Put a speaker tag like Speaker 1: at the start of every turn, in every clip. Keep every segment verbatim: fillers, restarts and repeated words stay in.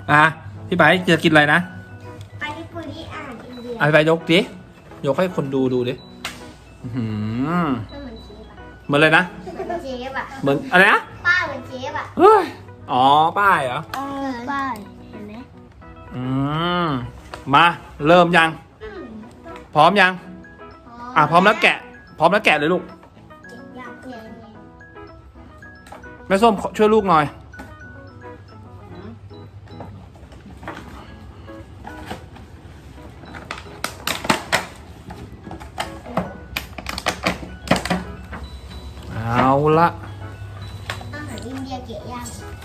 Speaker 1: อ่ะพี่ไปจะกินอะไรนะ
Speaker 2: อันนี้ปุริอ่านอินเดีย
Speaker 1: อ่ะพี่ไปยกดิยกให้คนดูดูดิอื้อหือ
Speaker 2: มันเหมือนเชฟอะ
Speaker 1: เหมือนเลยนะ
Speaker 2: เหมือนเชฟอะ
Speaker 1: เหมือนอะไรนะ
Speaker 2: ป้าเหมือนเชฟอะ
Speaker 1: เฮ้ยอ๋อป้ายเหรอ
Speaker 2: เออป้ายเห็นไหม
Speaker 1: อืมมาเริ่มยัง
Speaker 2: อืม
Speaker 1: พร้อมยังอ่ะพร้อมแล้วแกะ พร้อมแล้วแกะเลยลูก
Speaker 2: อยากเปลี่ยนไง
Speaker 1: แม่ส้มช่วยลูกหน่อยเอาละ
Speaker 2: อาหารอินเดียเกะย่าง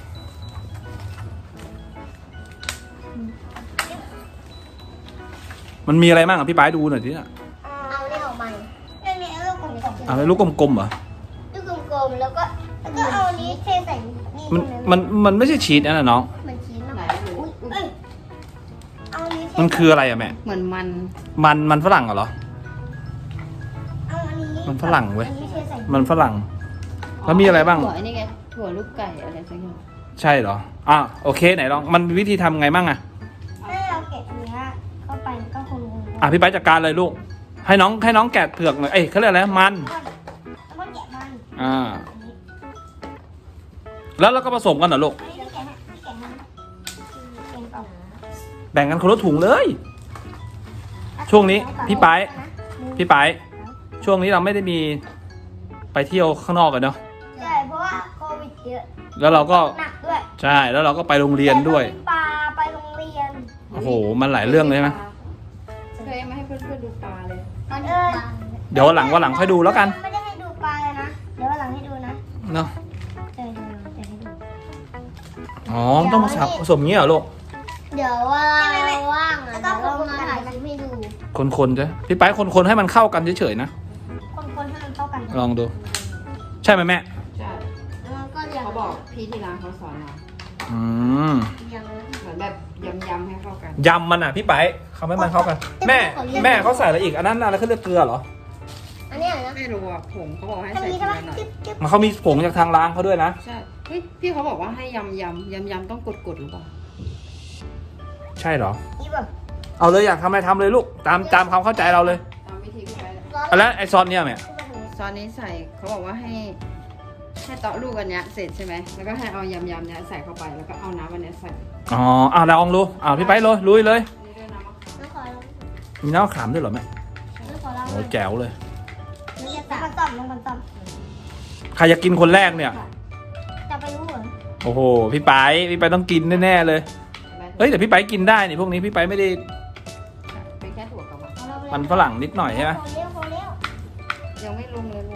Speaker 1: มันมีอะไรบ้างอ่ะพี่ป้ายดูหน่อยสิอ่ะ
Speaker 2: เอาเนี่ยออกมาเรื่องนี้เอาลูกกลมๆ
Speaker 1: อะไรลูกกลมๆเหรอ
Speaker 2: ลูกกลมๆแล้วก็แล้วก็เอาอันนี้เทใส่นี่
Speaker 1: มัน
Speaker 2: ตรง
Speaker 1: มันมันไม่ใช่ชีสนะน่ะน้อง
Speaker 2: เหมือนชีสอะอุ้ยเอ้ยเอาอันนี้เท
Speaker 1: มันคืออะไรอ่ะแม่
Speaker 3: เหมือนมัน
Speaker 1: มันมันฝรั่งเหรอ
Speaker 2: เอาอันนี้
Speaker 1: มันฝรั่งเว้ย
Speaker 2: อันนี้เทใส่
Speaker 1: มันฝรั่ง แล้วมีอะไรบ้าง
Speaker 3: ถั่วนี่ไงถั่วลูกไก่อะไรสักอย่าง
Speaker 1: ใช่เหรออ่ะโอเคไหนลองมันมีวิธีทำไงบ้างอ่ะ
Speaker 2: ถ้าเราแกะอันเนี้ยเข้าไปก็คงงงๆ
Speaker 1: อ่ะพี่ป้ายจัดการเลยลูกให้น้องให้น้องแกะเผือกหน่อยเอ้ยเขาเรียกอะไรมัน
Speaker 2: แล้วก็แกะมัน
Speaker 1: อ่า
Speaker 2: อันนี้
Speaker 1: แล้วเราก็ผสมกันเหรอลูก
Speaker 2: อันนี้แกะให้แกะให้แกะก่อน
Speaker 1: แบ่งกันคนละถุงเลย ช่วงนี้พี่ไป พี่ไปช่วงนี้เราไม่ได้มีไปเที่ยวข้างนอกกันเนาะ
Speaker 2: ใช่เพราะว่าโควิดเยอะ
Speaker 1: แล้วเราก็
Speaker 2: หนักด้วย
Speaker 1: ใช่แล้วเราก็ไปโรงเรียนด้วย
Speaker 2: ไปปลาไปโรงเรียน
Speaker 1: โอ้โหมันหลายเรื่องเลยใช่ไหม
Speaker 3: เคยมาให้เพื่อนๆดูปลาเลย
Speaker 2: มันเออ
Speaker 1: เดี๋ยววันหลังวันหลังค่อยดูแล้วกัน
Speaker 2: ไม่ได้ให้ดูปลาเลยนะเดี๋ยววันหลังให้ดูนะ
Speaker 1: เนาะ
Speaker 2: เออเดี๋ยวให้ดู
Speaker 1: อ๋อต้องมาสับผสมงี้เหรอลูก
Speaker 2: เดี๋ยวว่าว่างอ่ะเดี๋ยวเรามาถ่ายคลิปให้ดู
Speaker 1: คนๆจ้ะพี่ไปคนๆให้มันเข้ากันเฉยๆนะ
Speaker 2: คนๆให้มันเข้ากัน
Speaker 1: ลองดู ใช่ไหมแม่
Speaker 3: ใช่
Speaker 2: แล้วก็เรียง
Speaker 3: เขาบอกพี่ที่ร้านเขาสอนมา
Speaker 1: อืม
Speaker 2: เรียง
Speaker 3: เหมือนแบบยำๆให้เข้ากัน
Speaker 1: ยำมันอ่ะพี่ไปเขาไม่มันเข้ากัน แม่แม่เขาใส่อะไรอีกอันนั้นอะไรเขาเรียกเกลือเหรอ
Speaker 2: อันเนี้ยนะ
Speaker 3: ไม่รู้อ่ะผงเขาบอกให้
Speaker 2: อัน
Speaker 3: ใส่
Speaker 2: นี้
Speaker 3: ที
Speaker 2: ใช่ไหม
Speaker 3: ละหน่อย
Speaker 2: จิ๊บจิ๊บ
Speaker 1: มันเขามีผงจากทางร้านเขาด้วยนะ
Speaker 3: ใช่เฮ้ยพี่เขาบอกว่าให้ยำยำยำยำต้องกดกดๆหรือเปล่า
Speaker 1: ใช่เหรอ
Speaker 2: นี่แบบ
Speaker 1: เอาเลยอยากทำอะไรทำเลยลูกตามตามความเข้าใจเราเลย
Speaker 3: ตามวิธีพี่ไปเลย
Speaker 2: ร้อน
Speaker 1: อะแล้วไอซอสเนี่ยแม่
Speaker 3: ซอสนี้ใส่เขาบอกว่าให้ให้เตาะลูกอันเนี้ยเสร็จใช่ไหมแล้วก็ให้เอายำยำๆเนี้ยใส่เข้าไปแล้วก็เอาน้ำอันเนี้ยใส่
Speaker 1: อ๋ออ่ะลองดูอ่ะพี่ไปเลยลุยเลย
Speaker 3: นี่ด้วยน้ำมะขาม
Speaker 2: น้องขอลอง
Speaker 1: มีน้ำมะขามด้วยเหรอแม่
Speaker 2: น้องขอลอง
Speaker 1: โอ้แจ๋วเลย
Speaker 2: นี่จะตัดต่อมน้องกันต่อม
Speaker 1: ใครจะกินคนแรกเนี่ย
Speaker 2: จะไปรู้เหรอ
Speaker 1: โอ้โหพี่ไปพี่ไปต้องกินแน่ๆเลยเฮ้ยแต่พี่ไปกินได้นี่พวกนี้พี่ไปไม่ได้
Speaker 3: เป็นแค่ถั่วกับมัน
Speaker 1: มันฝรั่งนิดหน่อยใช่ไหม
Speaker 2: พอเร็วพอเร็ว
Speaker 3: ยังไม่ลงเลยลูก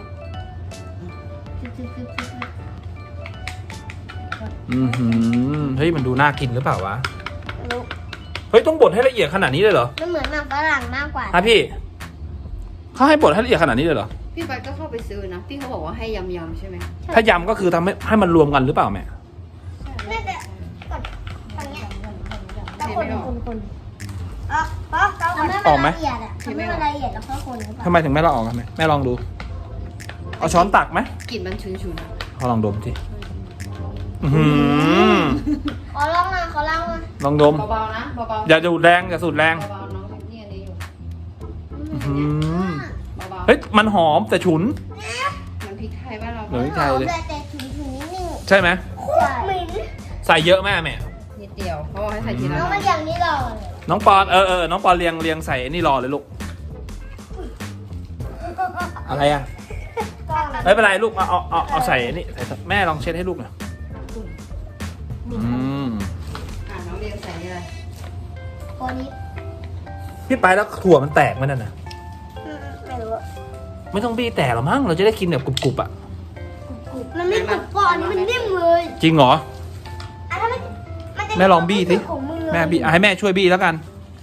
Speaker 1: อือหือเฮ้ยมันดูน่ากินหรือเปล่าวะเฮ้ยต้องบดให้ละเอียดขนาดนี้เลยเหรอ
Speaker 2: มันเหมือนหนังฝรั่งมากกว่า
Speaker 1: ฮะพี่เขาให้บดให้ละเอียดขนาดนี้เลยเหรอ
Speaker 3: พี่ไปก็เข้าไปซื้อนะพี่เขาบอกว่าให้ยำยำๆใช่ไหม
Speaker 1: ถ้ายำก็คือทำให้ให้มันรวมกันหรือเปล่าแม่
Speaker 2: น่าจะกดฝั่งเนี้ยแล้วคนคนคนอ๋อเพราะเราทำให้มันละเอียดอ่ะทำให้มันละเอียดแล้วก็คนหรือเปล่า
Speaker 1: ทำไมถึงไม่ละออกกันแม่แม่ลองดูเอาช้อนตักไหม
Speaker 3: กลิ่นมันฉุนๆอะ
Speaker 1: เขาลองดมสิอื้อหือ
Speaker 2: ขอลองมาขอลองมา
Speaker 1: ลองดม
Speaker 3: เบาๆนะเบาๆ
Speaker 1: อย่าดูดแรงอย่าสูดแรง
Speaker 3: เบาๆน้องนี่อันนี้อยู่
Speaker 1: อื้อหือ
Speaker 3: เบาๆ
Speaker 1: เฮ้ยมันหอมแต่ฉุน
Speaker 3: มันพริกไทยบ้านเรา
Speaker 1: เหมือนพริกไทยเลย
Speaker 2: แต่แต่ถึงถึงนิดนึง
Speaker 1: ใช่ไหม
Speaker 2: โคตรเหม็น
Speaker 1: ใส่เยอะแม่แม่
Speaker 3: นิดเดียวเขาบอกให้ใส่ทีละ
Speaker 2: น้อง
Speaker 3: หน่
Speaker 2: มั
Speaker 3: อน ย
Speaker 2: อย่างนี้หรอ
Speaker 1: น้องปอนเออเออน้องปอนเรียงเรียงใส่ไอ้นี่รอเลยลูกอะไรอ่ะไม่เป็นไรลูกเอาเอาเอาเอาใส่ไอ้นี่ใส่แม่ลองเช็ดให้ลูกหน่อยอืม
Speaker 3: อ่ะน้องเรียงใส่นี่เลย
Speaker 2: คนนี้
Speaker 1: พี่ไปแล้วถั่วมันแตกไหมนั่นน่ะ
Speaker 2: ไม่รู้
Speaker 1: ไม่ต้องบี้แตกหรอมั้งเราจะได้กินแบบกรุบๆอ่ะ
Speaker 2: มันไม่กรุบก่อนมันนิ่มเลย
Speaker 1: จริงเหรอ
Speaker 2: อ่ะถ้ามันมันจะ
Speaker 1: แม่ลองบี้สิ
Speaker 2: ของมือ
Speaker 1: แม่บี้อ่ะให้แม่ช่วยบี้แล้วกัน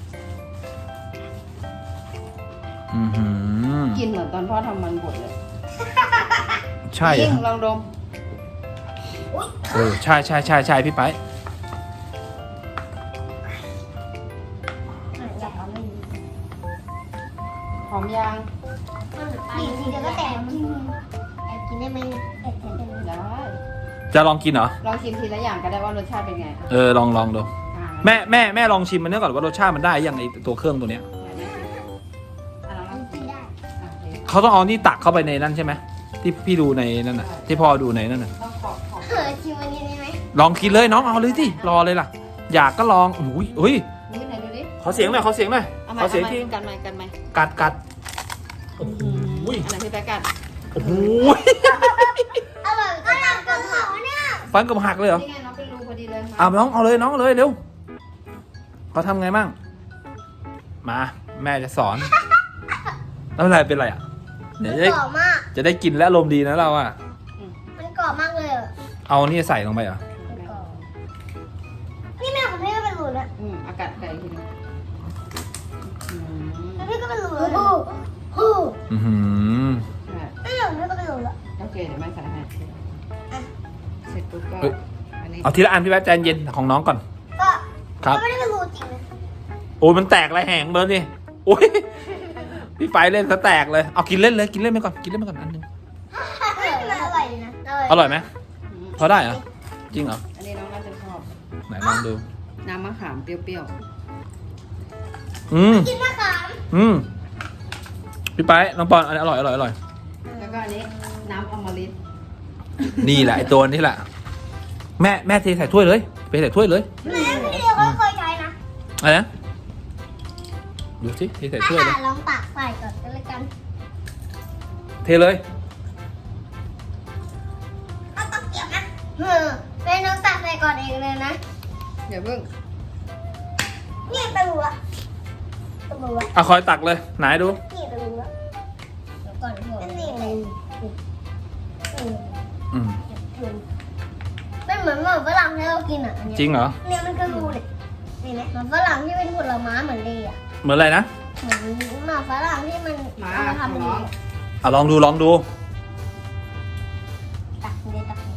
Speaker 1: อือหือ
Speaker 3: กินเหมือนตอนพ่อทำมันบดเลย
Speaker 1: ใช่
Speaker 3: จริง
Speaker 1: อะ
Speaker 3: ลองดม
Speaker 1: เออใช่ใช่ใช่ใช่พี่ไป
Speaker 2: อยากเอาไม่ดี
Speaker 3: หอมยาง
Speaker 2: นี่ทีเดียวก็แตกกินแอบกินได้ไหมแอบกินได้ไหม
Speaker 3: ได้
Speaker 1: จะลองกินเหรอ
Speaker 3: ลองชิมทีละอย่างก็ได้ว่ารสชาติเป็นไง
Speaker 1: เออลองลองดู
Speaker 3: อ่า
Speaker 1: แม่แม่แม่ลองชิมมันเนื้อก่อนว่ารสชาติมันได้ยังไอตัวเครื่องตัวเนี้ย
Speaker 3: อ่ะลอง
Speaker 2: มันกินได้
Speaker 3: อ่ะโอเค
Speaker 1: เขาต้องเอานี่ตักเข้าไปในนั่นใช่ไหมที่พี่ดูในนั่นน่ะที่พ่อดูในนั่นน่ะ
Speaker 3: ต้องขอบขอบ
Speaker 2: เออชิมอันนี้ได้ไหม
Speaker 1: ลองกินเลยน้องเอาเลยสิรอเลยล่ะ อยากก็ลองอุ้ยอุ้ย
Speaker 3: นี่ไหนดูดิ
Speaker 1: ขอเสียงหน่อยขอเสียงหน่อย
Speaker 3: เอาไหม
Speaker 1: ขอ
Speaker 3: เอา
Speaker 1: เสียง
Speaker 3: ไหม
Speaker 1: ที
Speaker 3: กันไหมกันไหม
Speaker 1: กัดกัดโอ้โห
Speaker 3: อันไหนพี่แป๊กกัด
Speaker 1: โอ้โห
Speaker 2: อร่อยก็ลองกับหมูเนี่ย
Speaker 1: ฟันกับหักเลยเหรอ
Speaker 3: นี่ไงน้องเป็นรูพอดีเลยมา
Speaker 1: เอาน้องเอาเลยน้องเอาเลยเร็วเขาทำไงมั่งมาแม่จะสอนแล้วเป็นไรเป็นไรอ่ะเดี๋ยว
Speaker 2: มัน
Speaker 1: จะได้
Speaker 2: กรอบมาก
Speaker 1: จะได้กินและอารมณ์ดีนะเราอ่ะ
Speaker 2: มันกรอบมากเลยอะ
Speaker 1: เอานี่ใส่ลงไปเหรอ
Speaker 2: มันกรอบนี่แม่ของพี่ก็เป็นหลูนะ
Speaker 3: อืมอากาศไก่ทีนึงอืม
Speaker 2: แล้วพี่ก็เป็นหลูนะฮู้ฮู้
Speaker 1: อือหือ
Speaker 3: ใช่
Speaker 2: ไม่หลูพี่ก็เป็นหลูละ
Speaker 3: โอเคเดี๋ยวแม่ใส่ให้เสร็จปุ๊บก็อันนี้
Speaker 1: เอาทีละอันพี่แป๊ะใจเย็นของน้องก่อน
Speaker 2: ก็
Speaker 1: ครับ
Speaker 2: ก็ไม่ได้เป็นหลูจริงนะ
Speaker 1: โอ้ยมันแตกอะไรแหงเบิร์นดิโอ้ยพี่ไฟเล่นซะแตกเลยเอากินเล่นเลยกินเล่นไปก่อนกินเล่นไปก่อนอันหนึง
Speaker 2: เฮ้ยมันอร่อยดีนะ
Speaker 1: อร่อยไหม
Speaker 3: อืม
Speaker 1: พอได้เหรอจริงเหรอ
Speaker 3: อันนี้น้องน่าจะชอบ
Speaker 1: ไหนลองดู
Speaker 3: น้ำมะขามเปรี้ยว
Speaker 1: อืม
Speaker 2: กินมะขาม
Speaker 1: อืมพี่ไปน้องปอนอันนี้อร่อยอร่อยอร่อย
Speaker 3: ๆแล้วก็อันนี้น้ำอมฤต
Speaker 1: นี่แหละไอตัวนี้แหละแม่แม่เทใส่ถ้วยเลยไปใส่ถ้วยเลย
Speaker 2: แม่พี่เดียวก็เคยใช้นะ
Speaker 1: อะไรนะดูสิเทใส่
Speaker 2: ถ้า
Speaker 1: ถ้วยเลย
Speaker 2: หาลองตักใส่ก่อนก็แล้วกัน
Speaker 1: เทเลย
Speaker 2: เอาตะเกียบนะเออแม่น้องตักใส่ก่อนเองเลยนะ
Speaker 3: เดี๋ยวเพิ่ง
Speaker 2: นี่ตะหลูอะตะหลูอะ
Speaker 1: อ่ะคอยตักเลยไหนดู
Speaker 2: นี่ตะหลูอะเดี๋ยวก่อนนี่เลย
Speaker 1: อืม
Speaker 2: เป็นเหมือนหมอนฝรั่งที่เรากินอ่ะอันเนี้ย
Speaker 1: จริงเหรอ
Speaker 2: เนี่ยมันคือรูเนี่ยนี่ไหมหมอนฝรั่งที่เป็นผลไม้เหมือนเลยอ่ะ
Speaker 1: เหมือนอะไรนะ
Speaker 2: เหมือนหมอนฝรั่งที่มัน
Speaker 3: มา
Speaker 2: เอามา
Speaker 3: ขอ
Speaker 2: ทำเป็น
Speaker 3: น้อง
Speaker 1: อ่ะลองดูลองดู
Speaker 2: ตักเลยตักเลย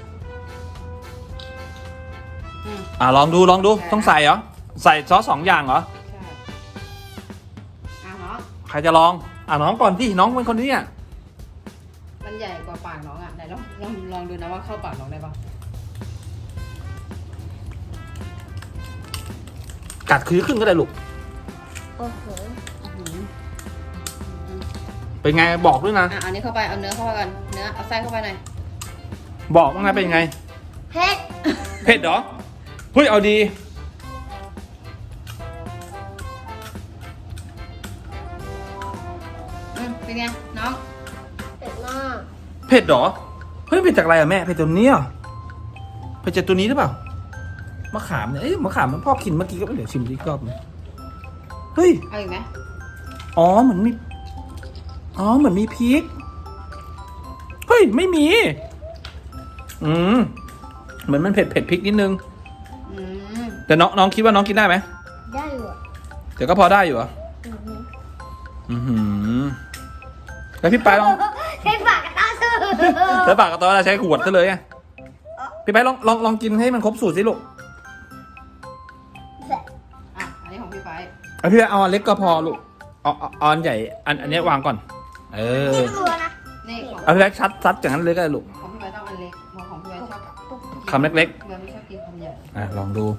Speaker 3: อืม
Speaker 1: อ่ะลองดูลองดูต้องใส่เหรอใส่ซอสสองอย่างเหรอ
Speaker 3: ใช่อ่ะเนาะ
Speaker 1: ใครจะลองอ่ะน้องก่อนที่น้องเป็นคนนี้อ่ะ
Speaker 3: มันใหญ่กว่าปากน้องอ่ะไหนลองลองลองดูนะว่าเข้าปากน้องได้ปะ
Speaker 1: กัดคือขึ้นก็ได้ลูก
Speaker 2: โอ้โห
Speaker 3: อื้อหือ
Speaker 1: เป็นไงบอกด้วยนะ
Speaker 3: อ่ะเอานี้เข้าไปเอาเนื้อเข้าไปกันเนื้อเอาไส้เข้าไปหน่อย
Speaker 1: บอกว่าไงเป็นไง
Speaker 2: เผ็ด
Speaker 1: เผ็ดเหรอเฮ้ยเอาดี
Speaker 3: อืมเป็นไงน้อง
Speaker 2: เผ็ดมาก
Speaker 1: เผ็ดเหรอเฮ้ยเผ็ดจากอะไรอ่ะแม่เผ็ดตัวนี้เหรอเผ็ดจากตัวนี้หรือเปล่ามะขามเนี่ยเอ้ยมะขามมันพ่อกินเมื่อกี้ก็เดี๋ยวชิมอีกรอบนึงเฮ้ย
Speaker 3: เอาอีกไหม
Speaker 1: อ๋อเหมือนมีอ๋อเหมือนมีพริกเฮ้ยไม่มีอืมเหมือนมันเผ็ดเผ็ดพริกนิดนึง
Speaker 3: อืม
Speaker 1: แต่น้องน้องคิดว่าน้องกินได้ไหม
Speaker 2: ได้อยู่อ่ะ
Speaker 1: เดี๋ยวก็พอได้อยู่เหรอ
Speaker 2: อือหือ
Speaker 1: อือหือแล้วพี่ไปลอง
Speaker 2: ใช้ปากกระต้าซื้อ
Speaker 1: แล้วปากกับตัวเราใช้ขวดซะเลยอะพี่ไปลองลองลองกินให้มันครบสูตรสิลูก
Speaker 3: อ่ะอันนี้ของพี่ไป
Speaker 1: เอาพี่ไปเอาอันเล็กก็พอลูกเอาเอาเอาอันใหญ่อันอันเนี้ยวางก่อน เออ
Speaker 2: นี่รัวนะ
Speaker 3: นี่ของ
Speaker 1: เอาพี่ไปชัดซัดอย่างนั้นเลยก็ได้ลูก
Speaker 3: ของพี่ไปต้องอันเล็กเพราะของพี่ไปชอบ
Speaker 1: คำเล็ก
Speaker 3: พี่ไปไม่ชอบกินคำใหญ่
Speaker 1: ๆอ่ะลองดู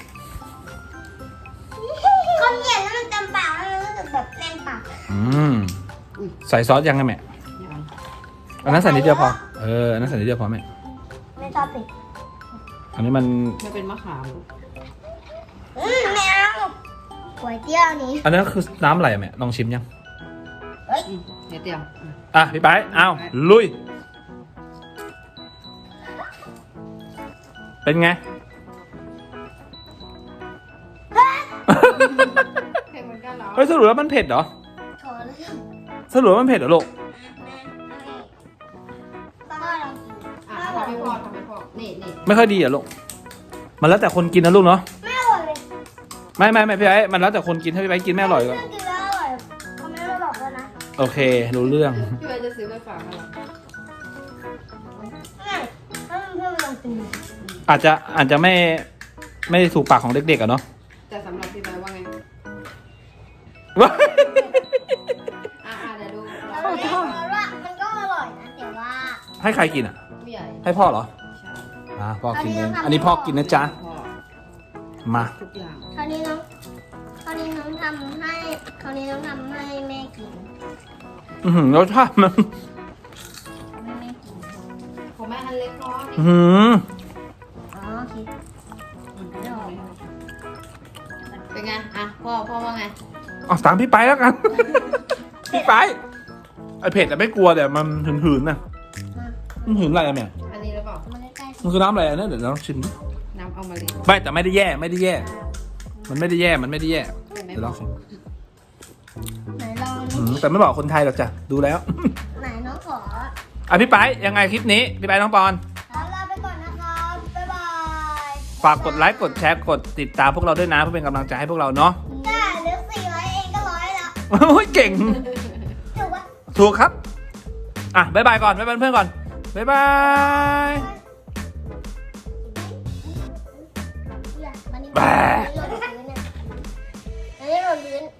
Speaker 2: คนเหยียดแล้วมันเต็มปากแล้วมันรู้สึกแบบแน่นปาก
Speaker 1: อืมใส่ซอสยังไงแม่
Speaker 3: อย่างนั้น
Speaker 1: อันนั้นใส่นิดเดียวพอเอออันนั้นใส่นิดเดียวพอแม่
Speaker 2: ไม่ชอบติด
Speaker 1: อันนี้มัน
Speaker 3: มันเป็นมะขามลูก
Speaker 2: อืมไม่เอาก๋วยเตี๋ยวนี้
Speaker 1: อันนั้นคือน้ำอะไรอะแม่ลองชิมยัง
Speaker 3: อืมเดี๋ยวเตรียมอืม
Speaker 1: อ่ะพี่ไปเอาลุยเป็นไง
Speaker 3: เผ็ดเหมือนกันเหรอ
Speaker 1: เฮ้ยสรุปแล้วมันเผ็ดเหรอ
Speaker 2: ขอเลย
Speaker 1: สรุปว่ามันเผ็ดเหรอลูก
Speaker 2: ป้าลองกิน
Speaker 3: อ่ะทำให้พ่อทำให้พ่อนี่นี่
Speaker 1: ไม่ค่อยดีเหรอลูกมันแล้วแต่คนกินนะลูกเนาะ
Speaker 2: ไม่อร่อยเลย
Speaker 1: ไม่ไม่ไม่พี่ไอ้มันแล้วแต่คนกินถ้าพี่ไอ้กินไม่อร่อยก็
Speaker 2: เรื่องกินแล้วอร่อยเขาไม่ได้บอกแล้วนะ
Speaker 1: โอเครู้เรื่อง
Speaker 3: พี่ไปจะซื้อไปฝากอะไร
Speaker 2: ไม่ถ้าเพื่อนๆลองกินดู
Speaker 1: อาจจะอาจจะไม่ไม่ถูกปากของเด็กๆอะเนาะ
Speaker 3: แต่สำหรับพี่ไปว่าไง
Speaker 1: ว้าย
Speaker 3: อ่ะอ่ะเดี๋ยวดู
Speaker 2: แล้วเนี่ยว่ามันก็อร่อยนะแต่ว่า
Speaker 1: ให้ใครกินอ่ะ
Speaker 3: ผู้ใหญ่
Speaker 1: ให้พ่อเหรอ
Speaker 3: ใช่
Speaker 1: อ่าพ่อกินเองอันนี้พ่อกินนะจ๊ะ
Speaker 3: พ่อ
Speaker 1: มา
Speaker 3: ทุกอย่าง
Speaker 2: คราวนี้น้องคราวนี้น้องทำให้คราวนี้น้องทำให้แม่กิน
Speaker 1: อือหือรสชาติมัน
Speaker 2: ทำให้แม่กิน
Speaker 3: ของแม่อันเล็กพอ
Speaker 1: อือหือ
Speaker 2: อ๋อโอเค
Speaker 3: เป็นไงอ่ะพ่อพ่อว่าไง
Speaker 1: เอาตามพี่ไปแล้วกัน พี่ไปไอเผ็ดแต่ไม่กลัวแต่มันหืนๆนะ
Speaker 2: มา
Speaker 1: มันหืนอะไรอะแม่
Speaker 3: อันนี้หรือเปล่า
Speaker 2: เอามาใกล้
Speaker 1: มันคือน้ำอะไรอะเนี่ยเดี๋ยวเราชิมดิ
Speaker 3: น้ำเอามาเลย
Speaker 1: ไม่แต่ไม่ได้แย่ไม่ได้แย่ มันไม่ได้แย่มันไม่ได้แย่
Speaker 3: ไม่
Speaker 1: เดี๋ยว
Speaker 3: บ
Speaker 1: ล
Speaker 3: อ
Speaker 1: อก งชิม
Speaker 2: ๆไหนลอง
Speaker 1: อืมแต่ไม่บอกคนไทยหรอกจ้ะดูแล้ว
Speaker 2: ไหนน้องขอ
Speaker 1: อ่ะพี่ไปยังไงคลิปนี้พี่ไปน้องปอน
Speaker 2: แล้วลาไปก่อนนะครับบ๊ายบาย
Speaker 1: ฝากกดไลค์กดแชร์กดติดตามพวกเราด้วยนะเพื่อเป็นกำลังใจให้พวกเราเนาะ
Speaker 2: ได้เหลือสี่ร้อยเองก็ร้อยละ
Speaker 1: โอ้ยเก่ง
Speaker 2: ถูกปะ
Speaker 1: ถูกครับ อ่ะบ๊ายบายก่อนบ๊ายบายเพื่อนก่อน บ๊ายบาย
Speaker 2: อย่ามันนี่หล่นพื้นเนี่ยอันนี้หล่นพื้น